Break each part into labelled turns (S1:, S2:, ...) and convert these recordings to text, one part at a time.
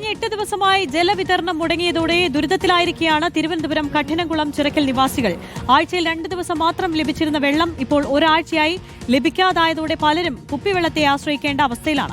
S1: കഴിഞ്ഞ 8 ദിവസമായി ജലവിതരണം മുടങ്ങിയതോടെ ദുരിതത്തിലായിരിക്കുകയാണ് തിരുവനന്തപുരം കഠിനംകുളം ചിറക്കൽ നിവാസികൾ. ആഴ്ചയിൽ 2 ദിവസം മാത്രം ലഭിച്ചിരുന്ന വെള്ളം ഇപ്പോൾ ഒരാഴ്ചയായി ലഭിക്കാതായതോടെ പലരും കുപ്പിവെള്ളത്തെ ആശ്രയിക്കേണ്ട അവസ്ഥയിലാണ്.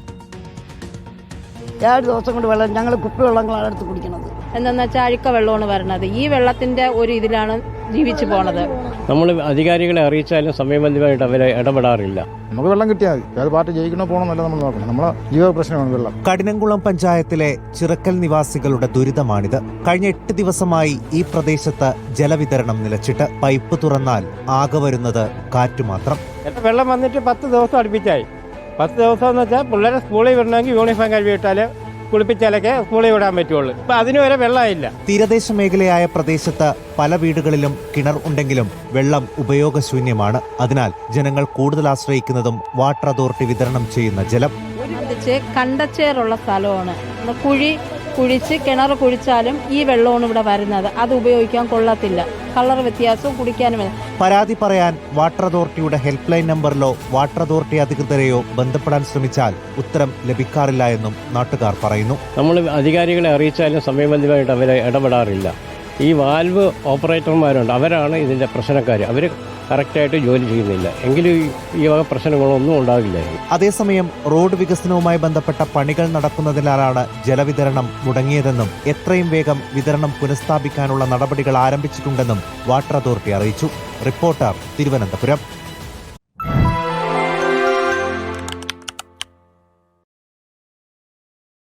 S2: 7 ദിവസം കൊണ്ട് വെള്ളം ഞങ്ങൾ കുപ്പിവെള്ളങ്ങളാണ് എടുത്ത് കുടിക്കുന്നത്.
S3: എന്താണെന്ന് വെച്ചാൽ അഴുക്ക വെള്ളമാണ് വരുന്നത്. ഈ വെള്ളത്തിന്റെ ഒരു ഇതിലാണ് ജീവിച്ചു പോണത്.
S4: നമ്മൾ അധികാരികളെ അറിയിച്ചാലും സമയബന്ധിതമായിട്ട് അവരെ ഇടപെടാറില്ല.
S5: നമുക്ക് വെള്ളം കിട്ടിയാൽ മതി. ഏത് പാർട്ടി ജയിക്കണോ പോകണമെന്നല്ല നമ്മൾ നോക്കണം. നമ്മളെ ജീവ പ്രശ്നമാണ് വെള്ളം.
S6: കഠിനംകുളം പഞ്ചായത്തിലെ ചിറക്കൽ നിവാസികളുടെ ദുരിതമാണിത്. കഴിഞ്ഞ 8 ദിവസമായി ഈ പ്രദേശത്ത് ജലവിതരണം നിലച്ചിട്ട് പൈപ്പ് തുറന്നാൽ ആകെ വരുന്നത് കാറ്റ് മാത്രം.
S4: വെള്ളം വന്നിട്ട് 10 ദിവസം അടുപ്പിച്ചായി. 10 ദിവസം എന്ന് വെച്ചാൽ പിള്ളേരെ സ്കൂളിൽ വിടണമെങ്കിൽ യൂണിഫോം കഴുകിയിട്ടാൽ കുളിപ്പിച്ചാലൊക്കെ സ്കൂളിൽ വിടാൻ പറ്റുള്ളൂ. ഇപ്പം അതിന് വരെ വെള്ളമില്ല.
S6: തീരദേശ മേഖലയായ പ്രദേശത്ത് പല വീടുകളിലും കിണർ ഉണ്ടെങ്കിലും വെള്ളം ഉപയോഗശൂന്യമാണ്. അതിനാൽ ജനങ്ങൾ കൂടുതൽ ആശ്രയിക്കുന്നതും വാട്ടർ അതോറിറ്റി വിതരണം ചെയ്യുന്ന ജലം.
S3: കണ്ടച്ചേറുള്ള സ്ഥലമാണ്. കുഴിച്ച് കിണർ കുഴിച്ചാലും ഈ വെള്ളമാണ് ഇവിടെ വരുന്നത്. അത് ഉപയോഗിക്കാൻ കൊള്ളത്തില്ല. കളർ വ്യത്യാസവും കുടിക്കാനും.
S6: പരാതി പറയാൻ വാട്ടർ അതോറിറ്റിയുടെ ഹെൽപ്പ് ലൈൻ നമ്പറിലോ വാട്ടർ അതോറിറ്റി അധികൃതരെയോ ബന്ധപ്പെടാൻ ശ്രമിച്ചാൽ ഉത്തരം ലഭിക്കാറില്ല എന്നും നാട്ടുകാർ പറയുന്നു.
S4: നമ്മൾ അധികാരികളെ അറിയിച്ചാലും സമയബന്ധിതമായിട്ട് അവരെ ഇടപെടാറില്ല. ഈ വാൽവ് ഓപ്പറേറ്റർമാരുണ്ട്, അവരാണ് ഇതിൻ്റെ പ്രശ്നക്കാർ. അവർ കറക്റ്റായിട്ട് ജോലി ചെയ്യുന്നില്ല. എങ്കിലും ഈ വക പ്രശ്നങ്ങളൊന്നും ഉണ്ടാകില്ലായിരുന്നു.
S6: അതേസമയം റോഡ് വികസനവുമായി ബന്ധപ്പെട്ട പണികൾ നടക്കുന്നതിനാലാണ് ജലവിതരണം മുടങ്ങിയതെന്നും എത്രയും വേഗം വിതരണം പുനഃസ്ഥാപിക്കാനുള്ള നടപടികൾ ആരംഭിച്ചിട്ടുണ്ടെന്നും വാട്ടർ അതോറിറ്റി അറിയിച്ചു. റിപ്പോർട്ടർ, തിരുവനന്തപുരം.